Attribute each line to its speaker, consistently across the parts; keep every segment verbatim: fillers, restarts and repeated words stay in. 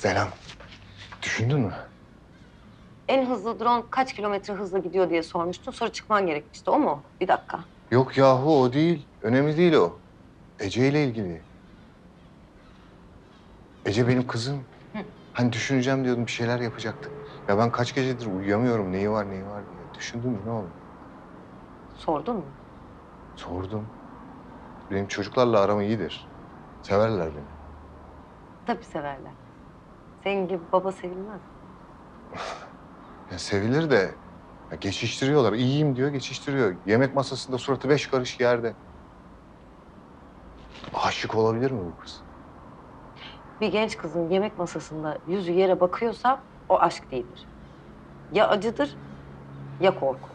Speaker 1: Selam. Düşündün mü?
Speaker 2: En hızlı drone kaç kilometre hızla gidiyor diye sormuştun. Sonra çıkman gerekmişti. O mu? Bir dakika.
Speaker 1: Yok yahu o değil. Önemli değil o. Ece ile ilgili. Ece benim kızım.
Speaker 2: Hı.
Speaker 1: Hani düşüneceğim diyordum bir şeyler yapacaktık. Ya ben kaç gecedir uyuyamıyorum. Neyi var neyi var diye. Düşündün mü ne oldu?
Speaker 2: Sordun mu?
Speaker 1: Sordum. Benim çocuklarla aram iyidir. Severler beni.
Speaker 2: Tabii severler. Senin gibi baba sevilmez.
Speaker 1: Ya sevilir de ya geçiştiriyorlar. İyiyim diyor geçiştiriyor. Yemek masasında suratı beş karış yerde. Aşık olabilir mi bu kız?
Speaker 2: Bir genç kızın yemek masasında yüzü yere bakıyorsa o aşk değildir. Ya acıdır ya korku.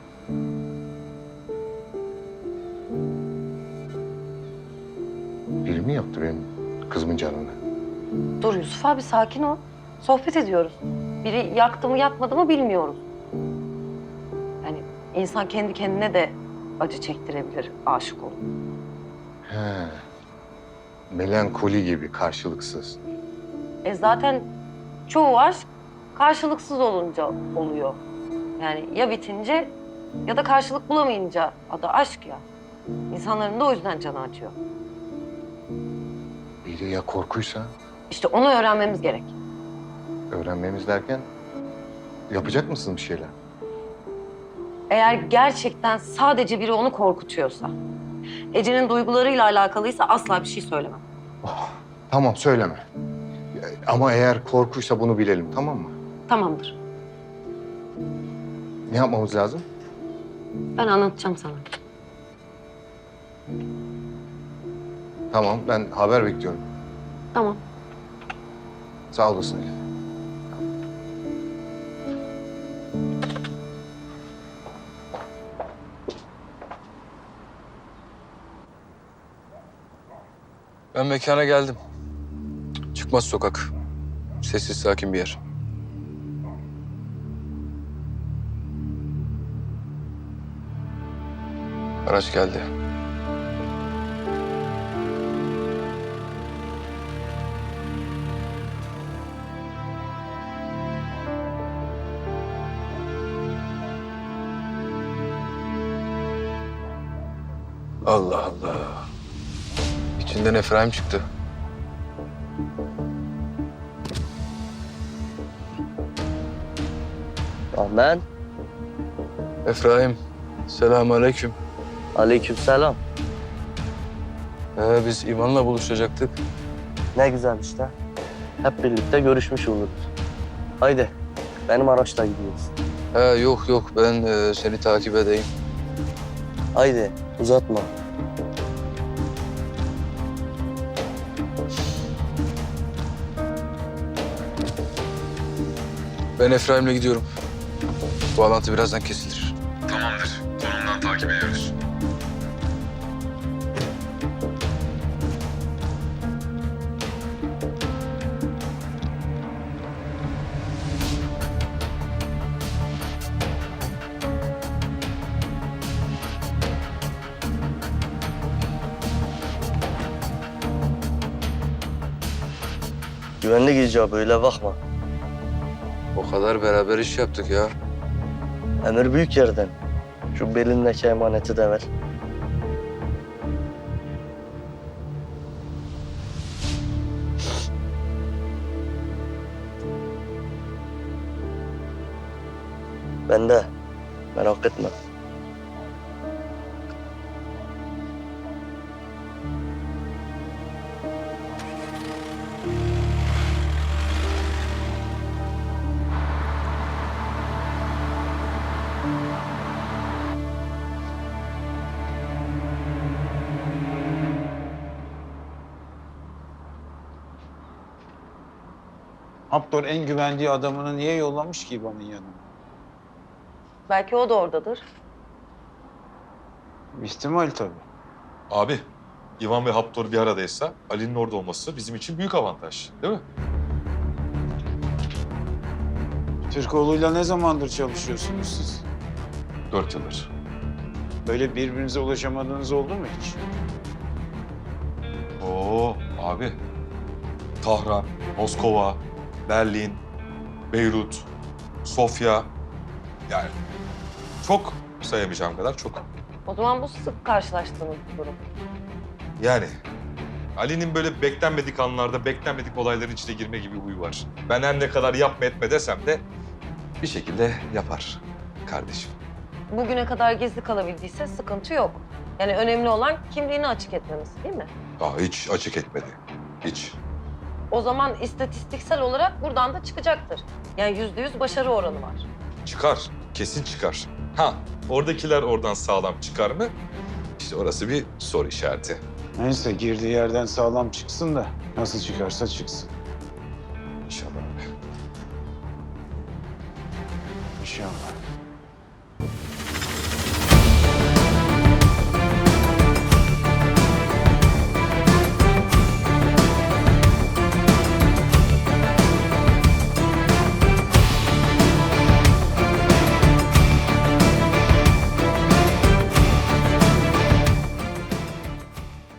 Speaker 1: Biri mi yaptı benim kızımın canını?
Speaker 2: Dur Yusuf abi sakin ol. Sohbet ediyoruz. Biri yaktı mı yakmadı mı bilmiyoruz. Yani insan kendi kendine de acı çektirebilir aşık olup.
Speaker 1: He. Melankoli gibi karşılıksız.
Speaker 2: E zaten çoğu aşk karşılıksız olunca oluyor. Yani ya bitince ya da karşılık bulamayınca adı aşk ya. İnsanların da o yüzden canı acıyor.
Speaker 1: Biri ya korkuysa
Speaker 2: İşte onu öğrenmemiz gerek.
Speaker 1: öğrenmemiz derken yapacak mısın bir şeyler?
Speaker 2: Eğer gerçekten sadece biri onu korkutuyorsa, Ece'nin duygularıyla alakalıysa asla bir şey söylemem.
Speaker 1: Oh, tamam söyleme. Ama eğer korkuysa bunu bilelim tamam mı?
Speaker 2: Tamamdır.
Speaker 1: Ne yapmamız lazım?
Speaker 2: Ben anlatacağım sana.
Speaker 1: Tamam ben haber bekliyorum.
Speaker 2: Tamam.
Speaker 1: Sağ olasın Elif.
Speaker 3: Ben mekana geldim. Çıkmaz sokak. Sessiz sakin bir yer. Araç geldi. Allah Allah. İçinden Efraim çıktı.
Speaker 4: Aman.
Speaker 3: Efraim, selamünaleyküm.
Speaker 4: Aleykümselam.
Speaker 3: Ee, biz İvan'la buluşacaktık.
Speaker 4: Ne güzel işte. Hep birlikte görüşmüş oluruz. Haydi. Benim araçla gidiyoruz.
Speaker 3: He, yok yok, ben e, seni takip edeyim.
Speaker 4: Haydi uzatma.
Speaker 3: Ben Efraim'le gidiyorum. Bağlantı birazdan kesilir. Tamamdır. Konumdan takip ediyoruz.
Speaker 4: Güvenlik icabı öyle bakma.
Speaker 3: O kadar beraber iş yaptık ya.
Speaker 4: Emir büyük yerden. Şu belindeki emaneti de ver. Ben de. Merak etme.
Speaker 5: Haptor en güvendiği adamını niye yollamış ki İvan'ın yanına?
Speaker 2: Belki o da oradadır.
Speaker 5: İhtimal tabii.
Speaker 6: Abi, İvan ve Haptor bir aradaysa Ali'nin orada olması bizim için büyük avantaj, değil mi?
Speaker 5: Türkoğlu'yla ne zamandır çalışıyorsunuz siz?
Speaker 6: Dört yıldır.
Speaker 5: Böyle birbirinize ulaşamadığınız oldu mu hiç?
Speaker 6: Oo abi. Tahran, Moskova, Berlin, Beyrut, Sofya. Yani çok sayamayacağım kadar çok.
Speaker 2: O zaman bu sık karşılaştığınız bir durum.
Speaker 6: Yani Ali'nin böyle beklenmedik anlarda, beklenmedik olayların içine girme gibi huyu var. Ben her ne kadar yapma etme desem de bir şekilde yapar kardeşim.
Speaker 2: Bugüne kadar gizli kalabildiyse sıkıntı yok. Yani önemli olan kimliğini açık etmemesi değil mi?
Speaker 6: Aa, hiç açık etmedi. Hiç.
Speaker 2: O zaman istatistiksel olarak buradan da çıkacaktır. Yani yüzde yüz başarı oranı var.
Speaker 6: Çıkar. Kesin çıkar. Ha, oradakiler oradan sağlam çıkar mı? İşte orası bir soru işareti.
Speaker 5: Neyse girdiği yerden sağlam çıksın da nasıl çıkarsa çıksın.
Speaker 6: İnşallah abi.
Speaker 5: İnşallah.